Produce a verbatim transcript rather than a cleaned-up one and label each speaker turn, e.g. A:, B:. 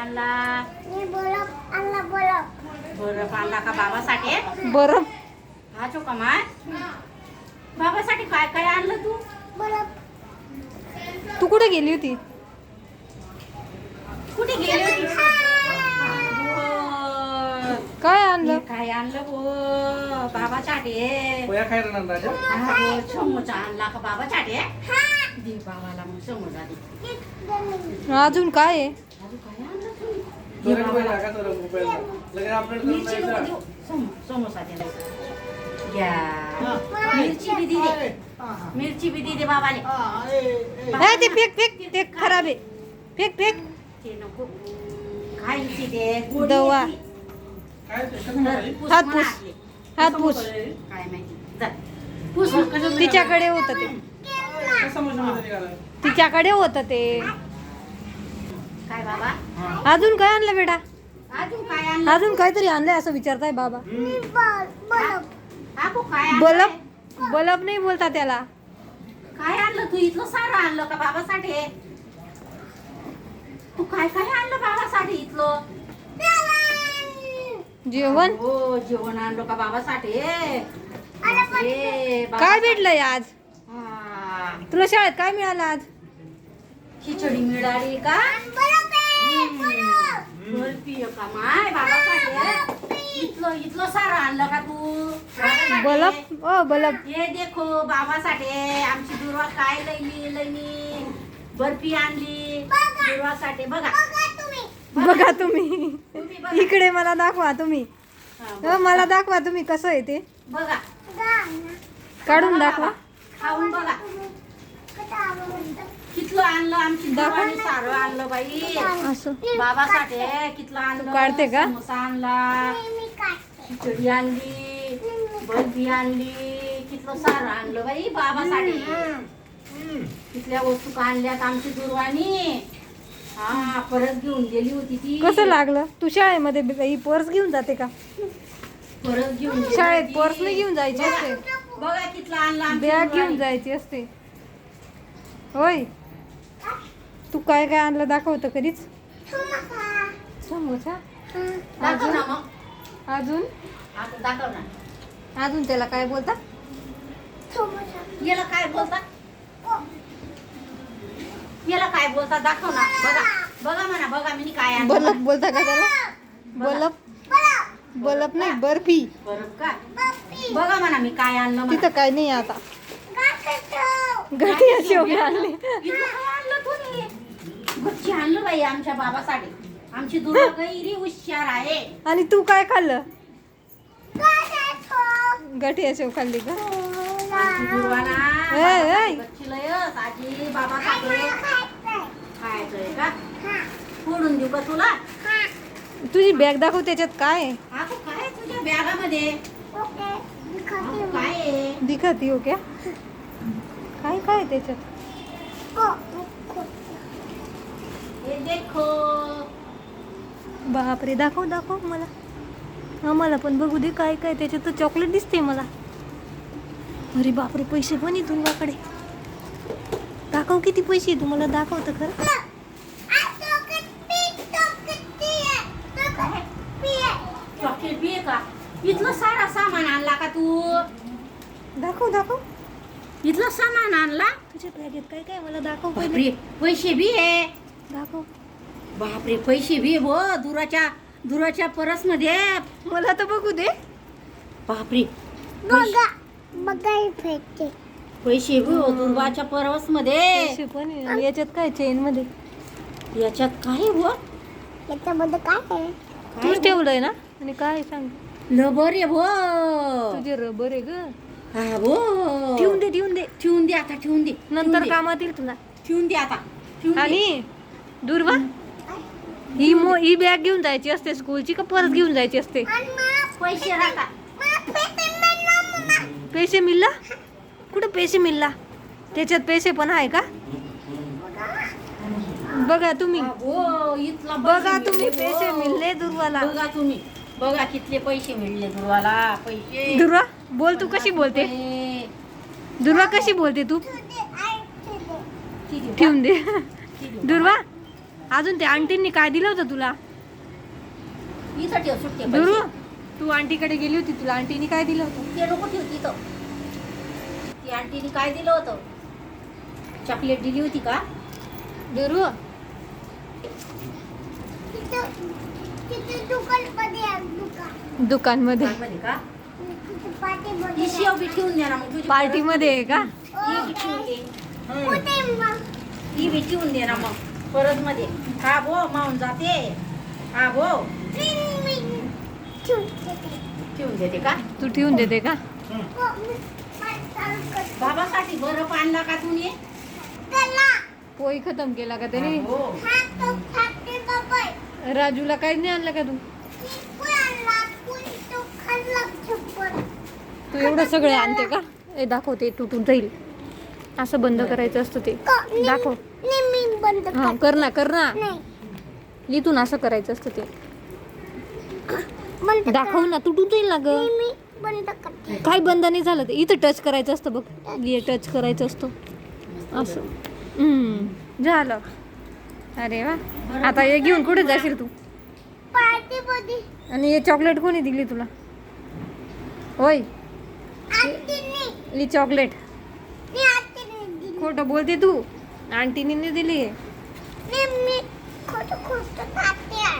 A: आणला?
B: मी बर्फ आणला बर्फ.
A: बर्फ आणला का बाबासाठी?
C: बरं
A: हा चोका माय बाबासाठी काय काय आणलं तू?
B: बर्फ.
C: तू कुठे गेली होती?
A: कुठे गेली होती?
C: काय आणलं?
A: काय आणलं हो बाबासाठी?
D: पोया खायला ना राजा.
A: हा हो समोसा आणला का बाबासाठी? दे बाबाला मग समोसा दे.
C: अजून काय आहे?
A: अजून काय आणलं तू?
D: तो रेट पहिला का तो रुपयाला लगेच अपडेट करून
A: मिरची नको
D: द्यायचा.
A: देऊ. सम- समोसा दे घ्या. मिरची बी दे मिरची बी दे बाबाले.
C: नाही ते फेक फेक ते खराब आहे. फेक फेक
A: ते नको खायची ते गोडी
C: दवा.
A: आहे ती.
D: काय ते कसं खायचं?
A: पुस
C: हात
A: म्हणा
C: पुस.
A: आपले.
C: हात
A: कसं
C: पुस.
A: मोकळं? काय माहिती जा. पुस कसं
C: तिच्याकडे होतं ते
D: कसं समजलं निघालं?
C: तिच्याकडे होतं ते.
A: काय बाबा
C: अजून काय आणलं बेटा?
A: अजून काय आणलं?
C: अजून काहीतरी आणलंय असं विचारताय बाबा.
B: मी बर्फ बर्फ.
A: काकू काय आणलंय?
C: बलब बलब नाही बोलता त्याला.
A: काय आणलं तू? इथलं सारं आणलं का बाबासाठी? तू काय काय आणलं बाबासाठी इथलं?
C: जेवण
A: हो जेवण आणलं का बाबासाठी? बापरे, बाबा-
C: काय भेटलंय आज?
A: हा,
C: तुला शाळेत काय मिळालं आज?
A: खिचडी मिळाली का? बर्फी आहे का माय बाबासाठी? इथलं इथलं सारं आणलं का तू बाबासाठी?
C: बलब ओ बलब
A: हे देखो बाबासाठी आमची दुर्वा काय लईली लईली बर्फी आणली दुर्वासाठी. बघा
C: बघा तुम्ही
A: तुम्ही बघा.
C: इकडे मला दाखवा तुम्ही.
A: हा,
C: अ, मला दाखवा तुम्ही कसं आहे ते
A: बघा
C: काढून
A: बघा
C: दाखवा.
A: बाबा. खाऊन बघा कितलं आणलं आमची दुर्वानी सारं आणलं बाई
C: असं
A: बाबासाठी कितलं आणलं.
C: तू काढते का?
A: समोसा आणला खिचडी आणली बर्फी आणली कितलं सारं आणलं बाई बाबासाठी. तिथल्या वस्तू का आणल्यात आमची दुर्वाणी. हा परत घेऊन गेली होती ती.
C: कसं लागलं? तू शाळेमध्ये ब- ही पर्स घेऊन जाते का?
A: परत घेऊन गेली
C: शाळेत
A: होती.
C: पर्स नाही घेऊन जायची असते.
A: बघा कितलं आणलं आमची
C: बॅग
A: दुर्वाणी.
C: घेऊन जायची असते. होय तू काय काय आणलं दाखवतं कधीच? समोसा
A: दाखव ना मग
C: अजून
A: आता दाखव ना.
C: अजून त्याला काय बोलतात?
A: याला काय बोलतात? याला काय बोलतात दाखव ना. बघा बघा म्हणा बघा मी काय आणलं.
C: बलब बोलता का त्याला? बलब बलब नाही बर्फी.
A: बरं का बघा म्हणा मी काय आणलं म्हणा.
C: तिथं काय नाही आता. गठी शेवगे आणले.
A: इथलं काय आणलं तुम्ही? गच्ची आणलं बाई आमच्या बाबासाठी. आमची दुर्गा गैरी हुशार आहे.
C: आणि तू काय खाल्लं? गठी शेव खाल्ली का?
A: आमची दुर्गा ना
C: ए, ए.
A: गच्ची लयच आजी बाबासाठी खायचंय का? फोडून देऊ का तुला?
C: तुझी बॅग दाखव त्याच्यात काय आहे?
A: आखो काय आहे तुझ्या बॅगामध्ये? आखो काय आहे?
C: दिखती हो क्या? काय काय आहे त्याच्यात?
A: हे देखो
C: बापरे दाखव दाखव मला. आम्हाला पण बघू दे काय काय त्याच्यात. तर चॉकलेट दिसते मला. अरे बापरे पैसे पण आहे तुझ्याकडे. दाखव किती पैसे आहे तुम्हाला दाखवतं खरं.
A: चॉकलेट बी आहे का? इथलं सारा सामान आणला का तू?
C: दाखव दाखव
A: इथलं सामान आणला?
C: तुझ्या बॅगेत काय काय मला दाखव पहिले.
A: बापरे पैसे बी आहे.
C: दाखव
A: बापरे पैसे बी आहे भो दुराच्या दुराच्या परस मध्ये.
C: मला तर बघू दे.
A: बापरे
B: बघा बघा इफेक्ट.
A: पैसे बी हो दुर्वाच्या परस मध्ये.
C: पैसे पण आहे. याच्यात काय चेन मध्ये
A: याच्यात काय हो?
B: याच्यामध्ये काय आहे?
A: काय
C: तूच
A: हो?
C: ठेवलंय ना. आणि काय सांग
A: लबर आहे भो.
C: तुझे रबर आहे ग.
A: हा भो
C: ठेवून दे ठेवून दे.
A: ठेवून दे आता ठेवून दे
C: नंतर
A: ठेवून दे.
C: कामात येईल तुला.
A: ठेवून दे आता ठेवून दे.
C: आणि दुर्वा ही मो ही बॅग घेऊन जायची असते स्कूलची का परत घेऊन जायची असते?
A: पैसे राहता.
C: पैसे मिळला? कुठं पैसे मिळला? त्याच्यात पैसे पण आहे का? बघा तुम्ही
A: हो इथला
C: बघा
A: पैसे
C: तुम्ही
A: मिळले,
C: पैसे
A: हो.
C: मिळले दुर्वाला.
A: बघा तुम्ही बघा कितले पैसे मिळले दुर्वाला. पैसे
C: दुर्वा बोल तू कशी बोलते?
A: रुपये.
C: दुर्वा कशी बोलते तू?
A: ठीक आहे.
C: ठेवून दे
A: ठीक आहे.
C: दुर्वा अजून त्या आंटींनी काय दिलं होतं तुला?
A: इथं ठेव सुट्टे
C: दुरू
A: पैसे.
C: तू आंटीकडे गेली होती, तुला आंटीने काय दिलं होतं?
A: ते नको ठेव तिथं. ती आंटीने काय दिलं होतं? चॉकलेट दिली होती का?
C: दुरू
B: तिथं तिथं दुकानमध्ये आहे, दुकान
C: दुकानमध्ये
A: दुकानमध्ये का?
B: तिथं पाठीमध्ये
A: ही शेव बी ठेवून दे ना मग तुझी
C: पार्टी मध्ये आहे का?
A: ही बी ठेवून दे.
B: कुठे मग?
A: ही बी ठेवून दे ना मग परत मध्ये. हा भो मावून जाते. हा भो
B: मी मी ठेवून देते.
A: ठेवून देते का?
C: तू ठेवून देते का?
B: हो, मी मला चालू कर.
A: बाबासाठी बरं आणला का तुम्ही?
B: त्याला
C: पोई खतम केला का त्याने?
A: हो.
B: हा तो खाते बाबा.
C: राजूला काही नाही आणलं का तू?
B: कोण आणला? कोण तो खाल्ला चप्पल.
C: तू एवढं सगळं आणते का? ए दाखवते, तुटून जाईल. असं बंद करायचं असतं ते.
B: का-
C: दाखव.
B: नाही, मी बंद
C: हा
B: करते.
C: कर ना, कर ना.
B: नाही
C: इथून असं करायचं असतं ते.
B: बंद
C: दाखव ना, तुटून जाईल ना ग.
B: नाही, मी बंद करते.
C: काय बंद नाही झालं ते. इथं टच करायचं असतं बघ. हे टच करायचं असतं असं. हम्म, झालं. अरे वा. आता हे घेऊन कुठे जाशील तू?
B: पार्टीमध्ये
C: आणि हे चॉकलेट कोणी दिली तुला? होय,
B: आंटीने
C: ही चॉकलेट.
B: मी आंटीने दिली.
C: खोटं बोलते तू. आंटीने नाही दिली.
B: नाही, मी खोटं खोटं